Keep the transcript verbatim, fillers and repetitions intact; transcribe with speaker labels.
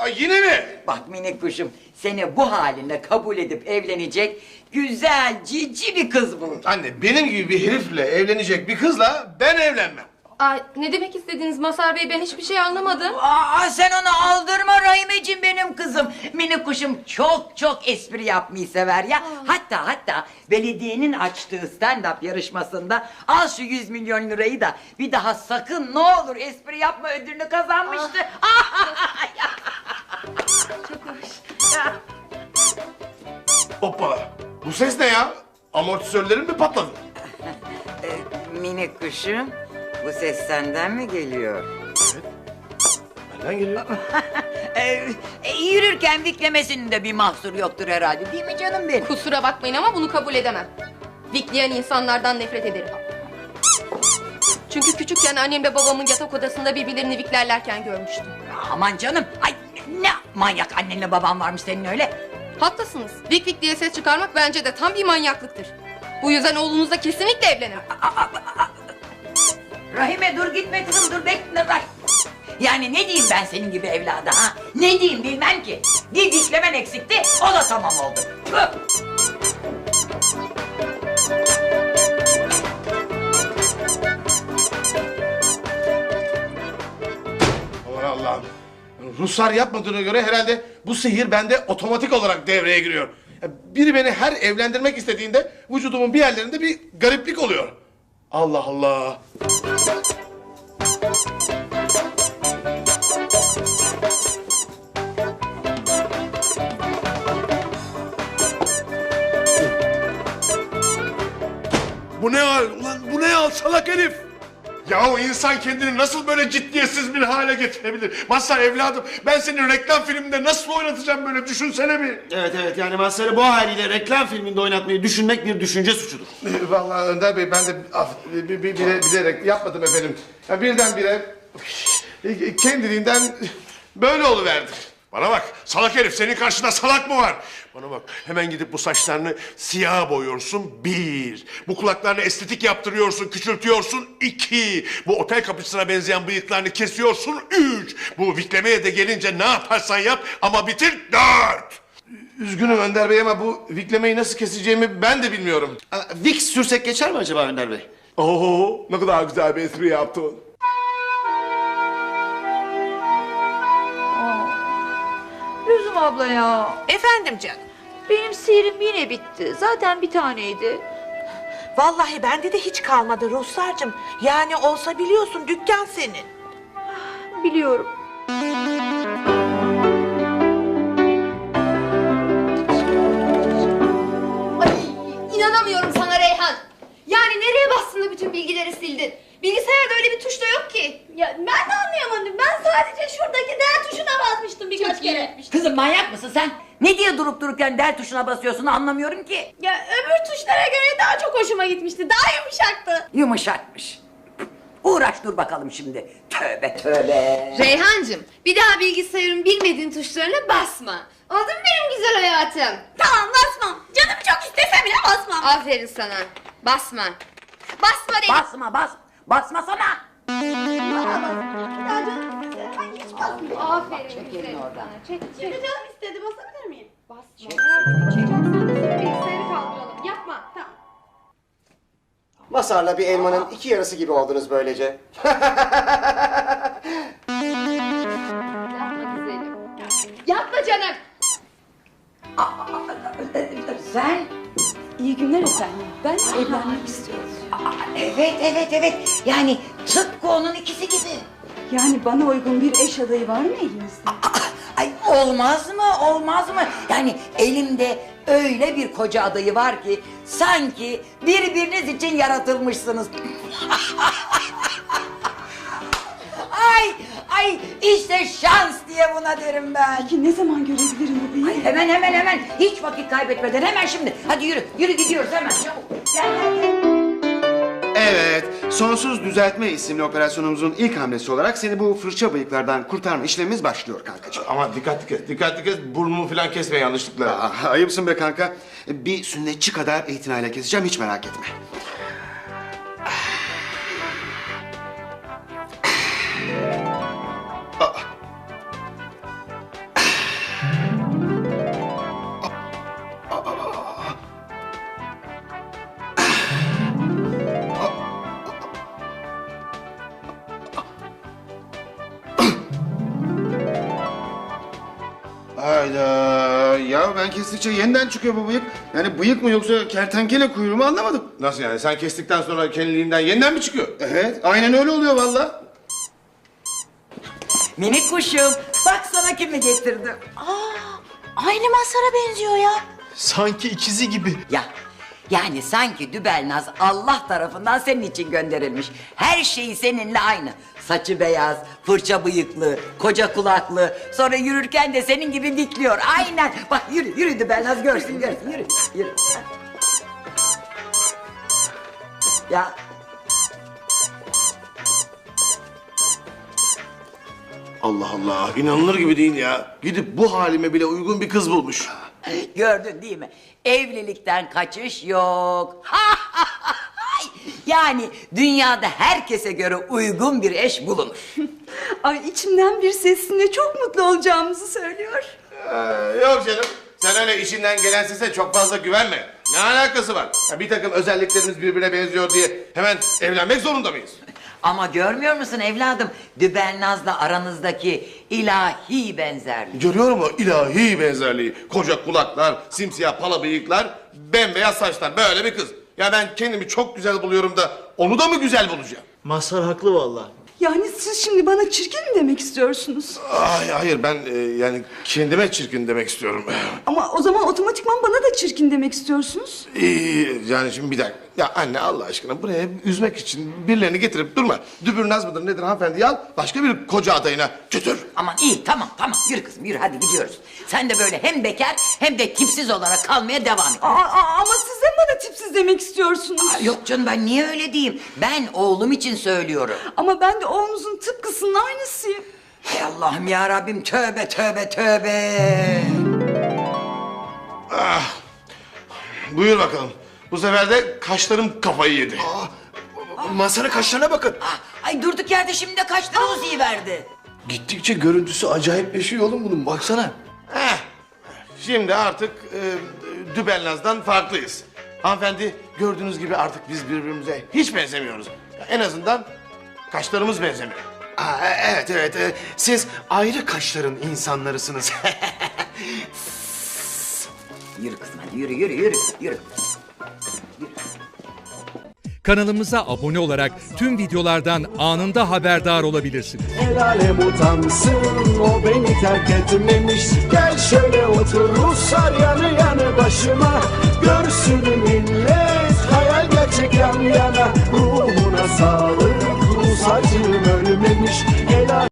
Speaker 1: Ay, yine mi?
Speaker 2: Bak minik kuşum, seni bu haline kabul edip evlenecek güzel, cici bir kız bul.
Speaker 1: Anne, benim gibi bir herifle evlenecek bir kızla ben evlenmem.
Speaker 3: Ay, ne demek istediniz Mazhar Bey? Ben hiçbir şey anlamadım.
Speaker 2: Aa, sen onu aldırma Rahimeciğim, benim kızım. Minik kuşum çok çok espri yapmayı sever ya. Hatta hatta belediyenin açtığı stand-up yarışmasında al şu yüz milyon lirayı da bir daha sakın ne olur espri yapma ödülünü kazanmıştı.
Speaker 3: Çok hoş.
Speaker 1: Hoppa. Bu ses ne ya? Amortisörlerim mi patladı?
Speaker 2: Ee, minik kuşum, bu ses senden mi geliyor?
Speaker 1: Benden geliyor.
Speaker 2: Ee, e, yürürken viklemesinin de bir mahsur yoktur herhalde, değil mi canım benim?
Speaker 3: Kusura bakmayın ama bunu kabul edemem. Vikleyen insanlardan nefret ederim. Çünkü küçükken annemle babamın yatak odasında birbirlerini viklerlerken görmüştüm.
Speaker 2: Aman canım, ay ne manyak annenle baban varmış senin öyle.
Speaker 3: Haklısınız. Vik vik diye ses çıkarmak bence de tam bir manyaklıktır. Bu yüzden oğlunuzla kesinlikle evlenin.
Speaker 2: Rahime dur gitme kızım, dur bekle bak. Yani ne diyeyim ben senin gibi evlada ha? Ne diyeyim bilmem ki. Bir diklemen eksikti, o da tamam oldu. Hı.
Speaker 1: Aman Allah'ım. Ruslar yapmadığına göre herhalde bu sihir bende otomatik olarak devreye giriyor. Ya biri beni her evlendirmek istediğinde vücudumun bir yerlerinde bir gariplik oluyor. Allah Allah. Bu ne hal? Ulan bu ne hal salak herif? Yahu insan kendini nasıl böyle ciddiyetsiz bir hale getirebilir? Mazhar evladım, ben seni reklam filminde nasıl oynatacağım böyle, düşünsene bir.
Speaker 4: Evet evet, yani Mazhar'ı bu haliyle reklam filminde oynatmayı düşünmek bir düşünce suçudur.
Speaker 1: Vallahi Önder Bey, ben de af, bi- bi- bile, bilerek yapmadım efendim. Ya birdenbire kendiliğinden böyle oluverdi. Bana bak salak herif, senin karşında salak mı var? Bana bak, hemen gidip bu saçlarını siyaha boyuyorsun bir. Bu kulaklarını estetik yaptırıyorsun, küçültüyorsun iki. Bu otel kapısına benzeyen bıyıklarını kesiyorsun üç. Bu viklemeye de gelince ne yaparsan yap ama bitir dört. Üzgünüm Önder Bey ama bu viklemeyi nasıl keseceğimi ben de bilmiyorum.
Speaker 4: Aa, Vicks sürsek geçer mi acaba Önder Bey?
Speaker 1: Oo, ne kadar güzel bir espri yaptın.
Speaker 5: Lüzum abla ya.
Speaker 6: Efendim canım.
Speaker 5: Benim sihrim yine bitti. Zaten bir taneydi.
Speaker 6: Vallahi bende de hiç kalmadı Ruhsar'cığım. Yani olsa biliyorsun dükkan senin.
Speaker 5: Biliyorum.
Speaker 3: Ay, inanamıyorum sana Reyhan. Yani nereye bastın da bütün bilgileri sildin? Bilgisayarda öyle bir tuş da yok ki.
Speaker 7: Ya ben de anlayamadım. Ben sadece şuradaki D tuşuna basmıştım birkaç kere.
Speaker 2: Kızım manyak mısın sen? Ne diye durup dururken del tuşuna basıyorsun, anlamıyorum ki.
Speaker 7: Ya öbür tuşlara göre daha çok hoşuma gitmişti. Daha yumuşaktı.
Speaker 2: Yumuşakmış. Uğraş dur bakalım şimdi. Tövbe tövbe.
Speaker 3: Reyhancığım, bir daha bilgisayarın bilmediğin tuşlarına basma. Oldu mu benim güzel hayatım?
Speaker 7: Tamam basmam. Canım çok istese bile basmam.
Speaker 3: Aferin sana. Basma. Basma dedim.
Speaker 2: Basma bas. Basmasana.
Speaker 7: Daha canım istese ben hiç basmıyorum.
Speaker 3: Aferin güzelim sana. Çek
Speaker 7: Şimdi canım istedi, basabilir miyim?
Speaker 3: Basma. Çekeceksin. Bilgisayarı kaldıralım. Yapma.
Speaker 7: Tamam.
Speaker 4: Mazhar'la bir elmanın iki yarısı gibi oldunuz böylece.
Speaker 3: Yapma güzelim. Yapma canım.
Speaker 2: Sen?
Speaker 5: İyi günler efendim. Ben evlenmek istiyorum.
Speaker 2: Aa, evet evet evet. Yani tıpkı onun ikisi gibi.
Speaker 5: Yani bana uygun bir eş adayı var mı elinizde?
Speaker 2: Aa, ay olmaz mı olmaz mı? Yani elimde öyle bir koca adayı var ki sanki birbiriniz için yaratılmışsınız. Ay ay işte şans diye buna derim ben.
Speaker 5: Peki ne zaman görebilirim bu beyi?
Speaker 2: Ay hemen hemen hemen hiç vakit kaybetmeden hemen şimdi. Hadi yürü yürü gidiyoruz hemen çabuk. Gel gel gel.
Speaker 4: Evet, Sonsuz Düzeltme isimli operasyonumuzun ilk hamlesi olarak seni bu fırça bıyıklardan kurtarma işlemimiz başlıyor kankacığım.
Speaker 1: Ama dikkatli kes, dikkatli kes, burnumu falan kesme yanlışlıkla.
Speaker 4: Aa, ayıpsın be kanka. Bir sünnetçi kadar itinayla keseceğim, hiç merak etme. Aa. Hayda. Ya ben kestikçe yeniden çıkıyor bu bıyık. Yani bıyık mı yoksa kertenkele kuyruğu mu anlamadım.
Speaker 1: Nasıl yani? Sen kestikten sonra kendiliğinden yeniden mi çıkıyor?
Speaker 4: Evet, aynen öyle oluyor vallahi.
Speaker 2: Minik kuşum, bak sana kimi getirdim.
Speaker 5: Aynı Mazhar'a benziyor ya.
Speaker 8: Sanki ikizi gibi.
Speaker 2: Ya yani sanki Dübelnaz Allah tarafından senin için gönderilmiş. Her şeyi seninle aynı. Saçı beyaz, fırça bıyıklı, koca kulaklı. Sonra yürürken de senin gibi dikliyor. Aynen. Bak yürü, yürü Dübelnaz görsün, görsün. Yürü, yürü. Ya
Speaker 1: Allah Allah, inanılır gibi değil ya. Gidip bu halime bile uygun bir kız bulmuş.
Speaker 2: gördün değil mi? Evlilikten kaçış yok. Yani dünyada herkese göre uygun bir eş bulunur.
Speaker 9: Ay içimden bir sesine çok mutlu olacağımızı söylüyor.
Speaker 1: Ee, yok canım, sen öyle işinden gelen sese çok fazla güvenme. Ne alakası var? Ya bir takım özelliklerimiz birbirine benziyor diye hemen evlenmek zorunda mıyız?
Speaker 2: Ama görmüyor musun evladım? Dübelnaz'la aranızdaki ilahi benzerlik.
Speaker 1: Görüyorum o ilahi benzerliği. Koca kulaklar, simsiyah pala bıyıklar, bembeyaz saçlar. Böyle bir kız. Ya ben kendimi çok güzel buluyorum da onu da mı güzel bulacağım?
Speaker 8: Mazhar haklı vallahi.
Speaker 9: Yani siz şimdi bana çirkin mi demek istiyorsunuz?
Speaker 1: Ay, hayır ben e, yani kendime çirkin demek istiyorum.
Speaker 9: Ama o zaman otomatikman bana da çirkin demek istiyorsunuz.
Speaker 1: İyi, yani şimdi bir dakika. Ya anne Allah aşkına buraya üzmek için birilerini getirip durma. Dübürnaz mıdır nedir hanımefendi al başka bir koca adayına götür.
Speaker 2: Aman iyi tamam tamam yürü kızım yürü hadi gidiyoruz. Sen de böyle hem bekar hem de tipsiz olarak kalmaya devam et.
Speaker 9: Aa, aa, ama siz de bana tipsiz demek istiyorsunuz.
Speaker 2: Aa, yok canım ben niye öyle diyeyim? Ben oğlum için söylüyorum.
Speaker 9: Ama ben de oğlunuzun tıpkısının aynısıyım.
Speaker 2: Hay Allah'ım ya Rabbim tövbe tövbe tövbe.
Speaker 1: Buyur bakalım. Bu sefer de kaşlarım kafayı yedi.
Speaker 8: Mazhar'ın kaşlarına bakın.
Speaker 2: Ah, ay durduk yerde şimdi de kaşları uzuyiverdi.
Speaker 8: Gittikçe görüntüsü acayipleşiyor oğlum bunun baksana.
Speaker 1: Heh. Şimdi artık e, Dübelnaz'dan farklıyız. Hanımefendi gördüğünüz gibi artık biz birbirimize hiç benzemiyoruz. En azından kaşlarımız benzemiyor.
Speaker 4: Aa, evet evet, e, siz ayrı kaşların insanlarısınız.
Speaker 2: Yürü kızım hadi yürü yürü yürü yürü.
Speaker 10: Kanalımıza abone olarak tüm videolardan anında haberdar olabilirsiniz.
Speaker 11: El alem utansın, o beni terk etmemiş. Gel şöyle otur Ruslar yanı yanı başıma. Görsün millet hayal gerçek yan yana. Ruhuna sağlık, Rus acım ölmemiş. El alem-